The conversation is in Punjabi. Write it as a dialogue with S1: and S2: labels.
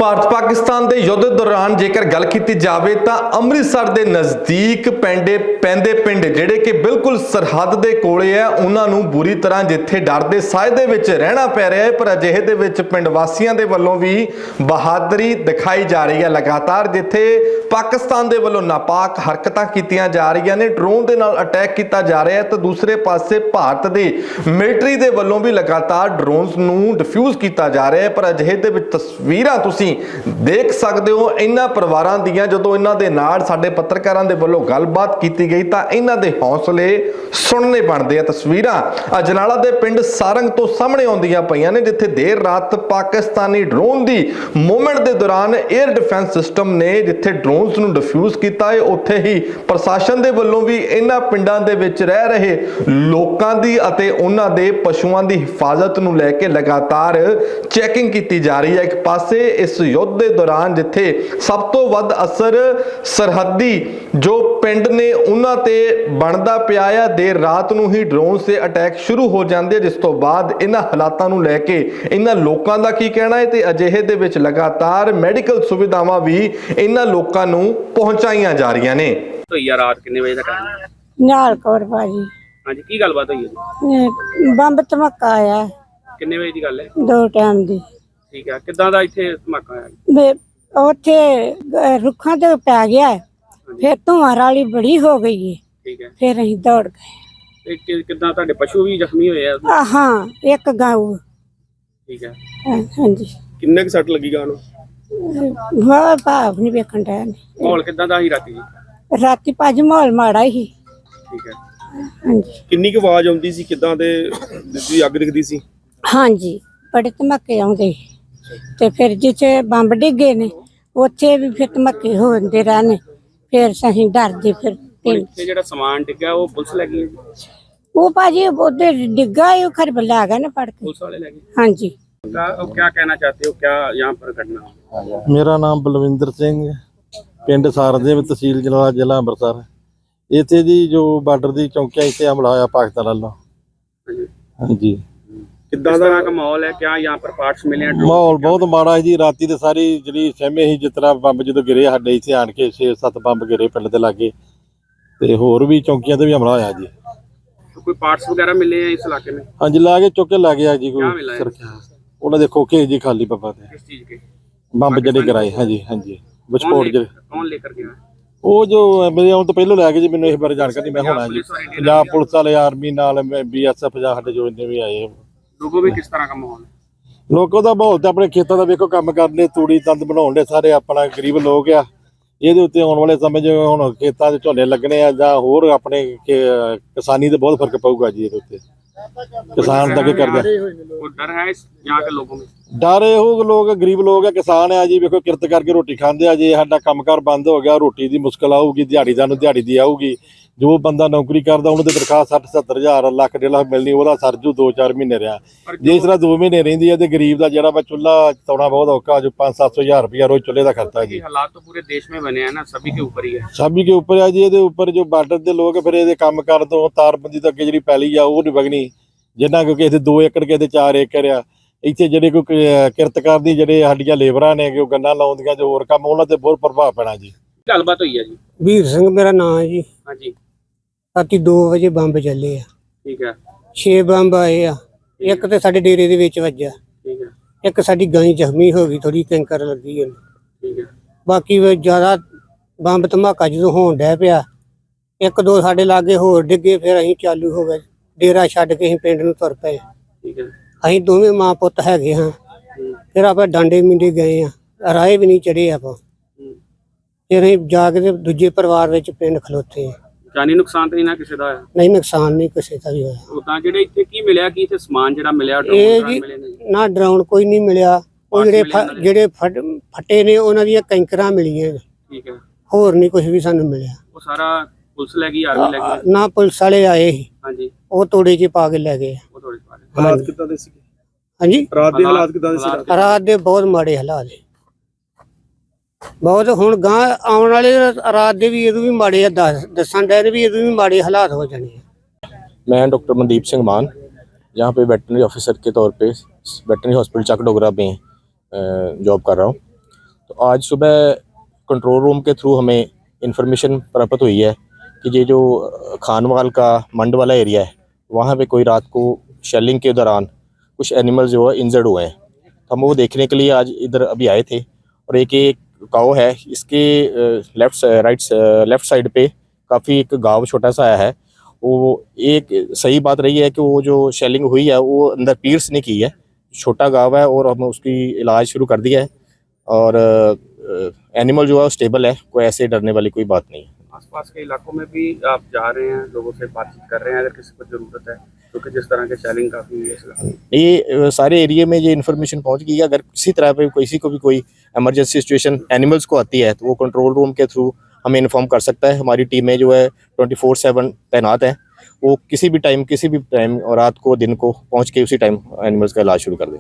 S1: ਭਾਰਤ ਪਾਕਿਸਤਾਨ ਦੇ ਯੁੱਧ ਦੌਰਾਨ ਜੇਕਰ ਗੱਲ ਕੀਤੀ ਜਾਵੇ ਤਾਂ ਅੰਮ੍ਰਿਤਸਰ ਦੇ ਨਜ਼ਦੀਕ ਪੈਂਦੇ ਪਿੰਡ ਜਿਹੜੇ ਕਿ ਬਿਲਕੁਲ ਸਰਹੱਦ ਦੇ ਕੋਲੇ ਆ, ਉਹਨਾਂ ਨੂੰ ਬੁਰੀ ਤਰ੍ਹਾਂ ਜਿੱਥੇ ਡਰ ਦੇ ਸਾਏ ਦੇ ਵਿੱਚ ਰਹਿਣਾ ਪੈ ਰਿਹਾ ਹੈ। ਪਰ ਅਜਿਹੇ ਦੇ ਵਿੱਚ ਪਿੰਡ ਵਾਸੀਆਂ ਦੇ ਵੱਲੋਂ ਵੀ ਬਹਾਦਰੀ ਦਿਖਾਈ ਜਾ ਰਹੀ ਹੈ। ਲਗਾਤਾਰ ਜਿੱਥੇ ਪਾਕਿਸਤਾਨ ਦੇ ਵੱਲੋਂ ਨਾਪਾਕ ਹਰਕਤਾਂ ਕੀਤੀਆਂ ਜਾ ਰਹੀਆਂ ਨੇ, ਡਰੋਨ ਦੇ ਨਾਲ ਅਟੈਕ ਕੀਤਾ ਜਾ ਰਿਹਾ ਹੈ, ਤਾਂ ਦੂਸਰੇ ਪਾਸੇ ਭਾਰਤ ਦੇ ਮਿਲਟਰੀ ਦੇ ਵੱਲੋਂ ਵੀ ਲਗਾਤਾਰ ਡਰੋਨਸ ਨੂੰ ਡਿਫਿਊਜ਼ ਕੀਤਾ ਜਾ ਰਿਹਾ ਹੈ। ਪਰ ਅਜਿਹੇ ਦੇ ਵਿੱਚ ਤਸਵੀਰਾਂ ਤੁਸੀਂ ਦੇਖ ਸਕਦੇ ਹੋ ਇਹਨਾਂ ਪਰਿਵਾਰਾਂ ਦੀਆਂ। ਜਦੋਂ ਇਹਨਾਂ ਦੇ ਨਾਲ ਸਾਡੇ ਪੱਤਰਕਾਰਾਂ ਦੇ ਵੱਲੋਂ ਗੱਲਬਾਤ ਕੀਤੀ ਗਈ ਤਾਂ ਇਹਨਾਂ ਦੇ ਹੌਸਲੇ ਸੁਣਨੇ ਬਣਦੇ ਆ। ਤਸਵੀਰਾਂ ਅਜਨਾਲਾ ਦੇ ਪਿੰਡ ਸਾਰੰਗ ਤੋਂ ਸਾਹਮਣੇ ਆਉਂਦੀਆਂ ਪਈਆਂ ਨੇ, ਜਿੱਥੇ ਦੇਰ ਰਾਤ ਪਾਕਿਸਤਾਨੀ ਡਰੋਨ ਦੀ ਮੂਵਮੈਂਟ ਦੇ ਦੌਰਾਨ 에ਅਰ ਡਿਫੈਂਸ ਸਿਸਟਮ ਨੇ ਜਿੱਥੇ ਡਰੋਨਸ ਨੂੰ ਡਿਫਿਊਜ਼ ਕੀਤਾ ਹੈ, ਉੱਥੇ ਹੀ ਪ੍ਰਸ਼ਾਸਨ ਦੇ ਵੱਲੋਂ ਵੀ ਇਹਨਾਂ ਪਿੰਡਾਂ ਦੇ ਵਿੱਚ ਰਹਿ ਰਹੇ ਲੋਕਾਂ ਦੀ ਅਤੇ ਉਹਨਾਂ ਦੇ ਪਸ਼ੂਆਂ ਦੀ ਹਿਫਾਜ਼ਤ ਨੂੰ ਲੈ ਕੇ ਲਗਾਤਾਰ ਚੈਕਿੰਗ ਕੀਤੀ ਜਾ ਰਹੀ ਹੈ। ਇੱਕ ਪਾਸੇ ਇਸ ਯੁੱਧ ਦੇ ਦੌਰਾਨ ਜਿੱਥੇ ਸਭ ਤੋਂ ਵੱਧ ਅਸਰ ਸਰਹੱਦੀ ਜੋ ਪਿੰਡ ਨੇ ਉਹਨਾਂ ਤੇ ਬਣਦਾ ਪਿਆ ਆ, ਦੇਰ ਰਾਤ ਨੂੰ ਹੀ ਡਰੋਨ ਸੇ ਅਟੈਕ ਸ਼ੁਰੂ ਹੋ ਜਾਂਦੇ, ਜਿਸ ਤੋਂ ਬਾਅਦ ਇਹਨਾਂ ਹਾਲਾਤਾਂ ਨੂੰ ਲੈ ਕੇ ਇਹਨਾਂ ਲੋਕਾਂ ਦਾ ਕੀ ਕਹਿਣਾ ਹੈ ਤੇ ਅਜਿਹੇ ਦੇ ਵਿੱਚ ਲਗਾਤਾਰ ਮੈਡੀਕਲ ਸੁਵਿਧਾਵਾਂ ਵੀ ਇਹਨਾਂ ਲੋਕਾਂ ਨੂੰ ਪਹੁੰਚਾਈਆਂ ਜਾ ਰਹੀਆਂ ਨੇ।
S2: ਹੋਈ ਆ ਰਾਤ ਕਿੰਨੇ ਵਜੇ ਦਾ ਟਾਈਮ?
S3: ਨਿਹਾਲ ਕੌਰ ਭਾਜੀ।
S2: ਹਾਂਜੀ, ਕੀ ਗੱਲਬਾਤ ਹੋਈ ਹੈ ਜੀ?
S3: ਬੰਬ ਧਮਾਕਾ ਆਇਆ
S2: ਕਿੰਨੇ ਵਜੇ ਦੀ ਗੱਲ ਹੈ?
S3: 2 ਟਾਈਮ ਦੀ।
S2: ਠੀਕ ਹੈ, ਕਿੱਦਾਂ ਦਾ ਇੱਥੇ ਧਮਾਕਾ ਆਇਆ?
S3: ਉੱਥੇ ਰੁੱਖਾਂ ਤੇ ਪੈ ਗਿਆ, ਫਿਰ ਧੂਆਂ ਰਾਲੀ ਬੜੀ ਹੋ ਗਈ ਹੈ।
S2: ਠੀਕ ਹੈ,
S3: ਫਿਰ ਅਸੀਂ ਦੌੜ ਗਏ।
S2: ਤੇ ਕਿੱਦਾਂ ਤੁਹਾਡੇ ਪਸ਼ੂ ਵੀ ਜ਼ਖਮੀ ਹੋਏ ਆ?
S3: ਹਾਂ, ਇੱਕ ਗਾਊ।
S2: ਠੀਕ ਹੈ,
S3: ਹਾਂਜੀ।
S2: ਕਿੰਨੇ ਕੁ ਸੱਟ ਲੱਗੀ ਗਾਂ ਨੂੰ?
S3: ਵਾਹ ਭਾਵ ਨਹੀਂ ਵੇਖਣ ਦਾ।
S2: ਮਾਹੌਲ ਕਿੱਦਾਂ ਦਾ ਸੀ ਰਾਤੀ ਜੀ?
S3: ਰਾਤੀ ਭਾਜੀ ਮਾਹੌਲ ਮਾੜਾ ਹੀ।
S2: ਠੀਕ ਹੈ,
S3: ਹਾਂਜੀ।
S4: ਕਿੰਨੀ ਕੁ ਆਵਾਜ਼ ਆਉਂਦੀ ਸੀ, ਕਿੱਦਾਂ ਦੇ ਦਿੱਤੀ ਅੱਗ ਦਿਖਦੀ ਸੀ?
S3: ਹਾਂਜੀ, ਬੜੇ ਧਮਾਕੇ ਆਉਂਦੇ ਤੇ ਫਿਰ ਜਿੱਥੇ ਬੰਬ ਡਿੱਗੇ ਨੇ ਉੱਥੇ ਵੀ ਫਿਰ ਧਮਾਕੇ ਹੁੰਦੇ ਰਹਿਣੇ, ਫਿਰ ਅਸੀਂ ਡਰਦੇ ਫਿਰ
S2: ਇੱਥੇ ਜਿਹੜਾ ਸਮਾਨ ਡਿੱਗਾ ਉਹ ਪੁਲਿਸ ਲੈ ਗਈ ਹੈ ਜੀ?
S3: ਉਹ ਭਾਜੀ ਉਹਦੇ ਡਿੱਗਾ ਉਹ ਖਰ ਬਲਾ ਗਿਆ ਨਾ ਫੜ ਕੇ।
S2: पुलिस वाले लगे?
S3: हाँ जी।
S2: क्या कहना चाहते हो, क्या यहाँ पर घटना?
S5: मेरा नाम बलविंदर सिंह, पिंड सारदेव, तहसील जलाला, जिला अंमृतसर। इत्थे जी जो बार्डर दी चौकियां इत्थे हमला होया पाकिस्तान वालों। हाँ जी।
S2: किस तरह का माहौल है? क्या यहाँ पर पार्ट्स मिले हैं?
S5: माहौल बहुत माड़ा है जी। राती ते सारी जिहड़ी सहमे ही जिस तरह बंब जो गिरे साडे इत्थे आण के 6-7 बंब गिरे पिंड दे लागे, ते होर भी चौकियां ते भी हमला होया जी।
S2: तो कोई पार्ट्स वगैरह मिले हैं इस इलाके में?
S5: हाँ जी, ला के चुक के ला गया जी।
S2: क्या मिला है?
S5: कोई उन्हें देखो के जी खाली बब्बा ते
S2: किस चीज के
S5: बंब जड़े गिराए। हाँ जी, हाँ जी, विस्फोट जड़े।
S2: कौन लेकर गया?
S5: ਉਹ ਜੋ ਮੇਰੇ ਆਉਣ ਤੋਂ ਪਹਿਲਾਂ ਲੈ ਕੇ ਜੀ, ਮੈਨੂੰ ਇਸ ਬਾਰੇ ਜਾਣਕਾਰੀ ਮੈਂ ਹੋਣਾ ਜੀ। ਪੰਜਾਬ ਪੁਲਿਸ ਵਾਲੇ, ਆਰਮੀ ਨਾਲ, BSF ਜਾਂ ਸਾਡੇ ਜੋ ਇੰਨੇ ਵੀ ਆਏ
S2: लोगों में किस तरह का माहौल है?
S5: ਲੋਕਾਂ ਦਾ ਮਾਹੌਲ ਤਾਂ ਆਪਣੇ ਖੇਤਾਂ ਦਾ ਵੇਖੋ, ਕੰਮ ਕਰਨੇ, ਤੂੜੀ ਤੰਦ ਬਣਾਉਣ ਦੇ ਸਾਰੇ ਆਪਣਾ ਗਰੀਬ ਲੋਕ ਆ। ਇਹਦੇ ਉੱਤੇ ਆਉਣ ਵਾਲੇ ਸਮੇਂ 'ਚ ਹੁਣ ਖੇਤਾਂ 'ਚ ਝੋਨੇ ਲੱਗਣੇ ਆ ਜਾਂ ਹੋਰ ਆਪਣੇ ਕਿਸਾਨੀ ਤੇ ਬਹੁਤ ਫਰਕ ਪਊਗਾ ਜੀ। ਇਹਦੇ ਉੱਤੇ ਕਿਸਾਨ ਦਾ ਕੀ ਕਰਦਾ?
S2: वो डर है यहाँ के लोगों में?
S5: ਡਰ ਇਹੋ ਲੋਕ ਗਰੀਬ ਲੋਕ ਆ, ਕਿਸਾਨ ਆ ਜੀ। ਵੇਖੋ ਕਿਰਤ ਕਰਕੇ ਰੋਟੀ ਖਾਂਦੇ ਆ। ਜੇ ਸਾਡਾ ਕੰਮਕਾਰ ਬੰਦ ਹੋ ਗਿਆ, ਰੋਟੀ ਦੀ ਮੁਸ਼ਕਲ ਆਊਗੀ, ਦਿਹਾੜੀਦਾਰ ਨੂੰ ਦਿਹਾੜੀ ਦੀ ਆਊਗੀ। ਜੋ ਬੰਦਾ ਨੌਕਰੀ ਕਰਦਾ ਉਹਨੂੰ ਤੇ ਤਨਖਾਹ 60-70 ਹਜ਼ਾਰ, ਲੱਖ 1.5 ਲੱਖ ਮਿਲਣੀ, ਉਹਦਾ ਸਰਜੂ 2-4 ਮਹੀਨੇ ਰਿਹਾ। ਜੇ ਇਸ ਤਰ੍ਹਾਂ 2 ਮਹੀਨੇ ਰਹਿੰਦੀ ਹੈ ਤੇ ਗਰੀਬ ਦਾ ਜਿਹੜਾ ਵਾ ਚੁੱਲ੍ਹਾ ਚਲਾਉਣਾ ਬਹੁਤ ਔਖਾ। ਜੋ 500-700 ਹਜ਼ਾਰ रुपया रोज चूल्हे का खर्चा है जी।
S2: हालात तो पूरे देश में बने हैं ना, सभी के ऊपर ही है।
S5: सभी के ऊपर है जी। ये ऊपर जो बार्डर के लोग फिर ये काम कर दो, तारबंदी तो अगे जी पैली आ वो नहीं वगनी, जिन्ना क्योंकि इतने 2 एकड़ के 4 एकड़ आ। ਇੱਥੇ ਜਿਹੜੇ ਕੋਈ ਕਿਰਤਕਾਰ ਦੀ ਜਿਹੜੇ ਸਾਡੀਆਂ ਲੇਬਰਾਂ ਨੇ ਕਿ ਉਹ ਗੰਨਾ ਲਾਉਂਦੀਆਂ ਜੋ ਹੋਰ ਕੰਮ, ਉਹਨਾਂ ਤੇ ਬਹੁਤ ਪ੍ਰਭਾਵ ਪੈਣਾ ਜੀ।
S2: ਗੱਲਬਾਤ ਹੋਈ ਹੈ ਜੀ?
S3: ਵੀਰ ਸਿੰਘ ਮੇਰਾ ਨਾਮ ਹੈ ਜੀ।
S2: ਹਾਂਜੀ।
S3: ਰਾਤੀ 2 ਵਜੇ ਬੰਬ ਚੱਲੇ ਆ।
S2: ਠੀਕ ਹੈ।
S3: 6 ਬੰਬ ਆਏ ਆ। ਇੱਕ ਤੇ ਸਾਡੇ ਡੇਰੇ ਦੇ ਵਿੱਚ ਵੱਜਾ।
S2: ਠੀਕ ਹੈ।
S3: ਇੱਕ ਸਾਡੀ ਗਾਂ ਜ਼ਖਮੀ ਹੋ ਗਈ, ਥੋੜੀ ਕੈਂਕਰ ਲੱਗੀ ਹੈ।
S2: ਠੀਕ ਹੈ।
S3: ਬਾਕੀ ਜ਼ਿਆਦਾ ਬੰਬ ਧਮਾਕਾ ਜਦੋਂ ਹੋਣ ਡਿਆ ਪਿਆ, 1-2 ਸਾਡੇ ਲਾਗੇ ਹੋਰ ਡਿੱਗੇ, ਫਿਰ ਅਸੀਂ ਚਾਲੂ ਹੋ ਗਏ। ਡੇਰਾ ਛੱਡ ਕੇ ਅਸੀਂ ਪਿੰਡ ਨੂੰ ਤੁਰ ਪਏ।
S2: ਠੀਕ ਹੈ।
S3: ਅਸੀਂ ਦੋਵੇਂ ਮਾਂ ਪੁੱਤ ਹੈਗੇ ਹਾਂ। ਫਿਰ ਆਪਾਂ ਡਾਂਡੇ ਮਿੰਡੇ ਗਏ ਆ, ਰਾਏ ਵੀ ਨਹੀਂ ਚੜੇ ਆਪਾਂ। ਫਿਰ ਅਸੀਂ ਜਾ ਕੇ ਦੂਜੇ ਪਰਿਵਾਰ ਵਿੱਚ ਪਿੰਡ ਖਲੋਤੇ।
S2: ਜਾਨੀ ਨੁਕਸਾਨ ਤਾਂ ਨਹੀਂ ਨਾ ਕਿਸੇ ਦਾ ਹੋਇਆ?
S3: ਨਹੀਂ, ਨੁਕਸਾਨ ਨਹੀਂ ਕਿਸੇ ਦਾ ਵੀ ਹੋਇਆ।
S2: ਉਦਾਂ ਜਿਹੜੇ ਇੱਥੇ ਕੀ ਮਿਲਿਆ, ਕੀ ਇੱਥੇ ਸਮਾਨ ਜਿਹੜਾ ਮਿਲਿਆ?
S3: ਇਹ ਜੀ ਨਾ ਡਰਾਉਣ ਕੋਈ ਨਹੀਂ ਮਿਲਿਆ। ਉਹ ਜਿਹੜੇ ਫੱਟੇ ਨੇ ਉਹਨਾਂ ਦੀਆਂ ਕੈਂਕਰਾਂ ਮਿਲੀਆਂ।
S2: ਠੀਕ ਹੈ।
S3: ਹੋਰ ਨਹੀਂ ਕੁਝ ਵੀ ਸਾਨੂੰ ਮਿਲਿਆ।
S2: ਉਹ ਸਾਰਾ ਪੁਲਿਸ ਲੈ ਗਈ, ਆਰਮੀ ਲੈ ਗਈ?
S3: ਨਾ, ਪੁਲਿਸ ਵਾਲੇ ਆਏ ਸੀ।
S2: ਹਾਂਜੀ।
S3: ਉਹ ਤੋੜੇ 'ਚ ਪਾ ਕੇ ਲੈ ਗਏ।
S2: ਉਹ ਥੋੜੇ ਪਾ ਗਏ।
S4: ਹਾਲਾਤ ਕਿੱਦਾਂ ਦੇ ਸੀ
S3: ਹਾਂਜੀ?
S4: ਰਾਤ ਦੇ ਹਾਲਾਤ ਕਿੱਦਾਂ ਦੇ ਸੀ?
S3: ਰਾਤ ਦੇ ਬਹੁਤ ਮਾੜੇ ਹਾਲਾਤ ਨੇ, ਬਹੁਤ। ਹੁਣ ਗਾਂ ਆਉਣ ਵਾਲੇ ਰਾਤ ਦੇ ਵੀ ਇਹਦੋਂ ਵੀ ਮਾੜੇ ਆ, ਦੱਸਣ ਦੇ ਵੀ ਇਹਦੋਂ ਵੀ ਮਾੜੇ ਹਾਲਾਤ ਹੋ ਜਾਣੇ ਆ।
S6: मैं डॉक्टर मनदीप सिंह मान यहाँ पे वेटनरी ऑफिसर के तौर पे वेटनरी हॉस्पिटल चक डोगरा में जॉब कर रहा हूँ। तो आज सुबह कंट्रोल रूम के थ्रू हमें इंफॉर्मेशन प्राप्त हुई है कि ये जो खानवाल का मंड वाला एरिया है वहाँ पे कोई रात को शेलिंग के दौरान कुछ एनिमल जो है इंजर्ड हुए हैं। तो हम वो देखने के लिए आज इधर अभी आए थे। और एक गाँव है, इसके लेफ्ट साइड पे काफ़ी एक गाँव छोटा सा आया है। वो एक सही बात रही है कि वो जो शेलिंग हुई है वो अंदर पीर्स नहीं की है, छोटा गाँव है और हम उसकी इलाज शुरू कर दिया है। और एनिमल जो है स्टेबल है, कोई ऐसे डरने वाली कोई बात नहीं है।
S2: आसपास के इलाकों में भी आप जा रहे हैं, लोगों से बातचीत कर रहे हैं अगर किसी को जरूरत है, क्योंकि जिस तरह के शेलिंग काफ़ी हुई है इस इलाके में।
S6: ये सारे एरिया में ये इन्फॉर्मेशन पहुंच गई है। अगर किसी तरह पे किसी को भी कोई इमरजेंसी सिचुएशन एनिमल्स को आती है तो वो कंट्रोल रूम के थ्रू हमें इन्फॉर्म कर सकता है। हमारी टीमें जो है 24/7 तैनात हैं, वो किसी भी टाइम और रात को दिन को पहुंच के उसी टाइम एनिमल्स का इलाज शुरू कर दें।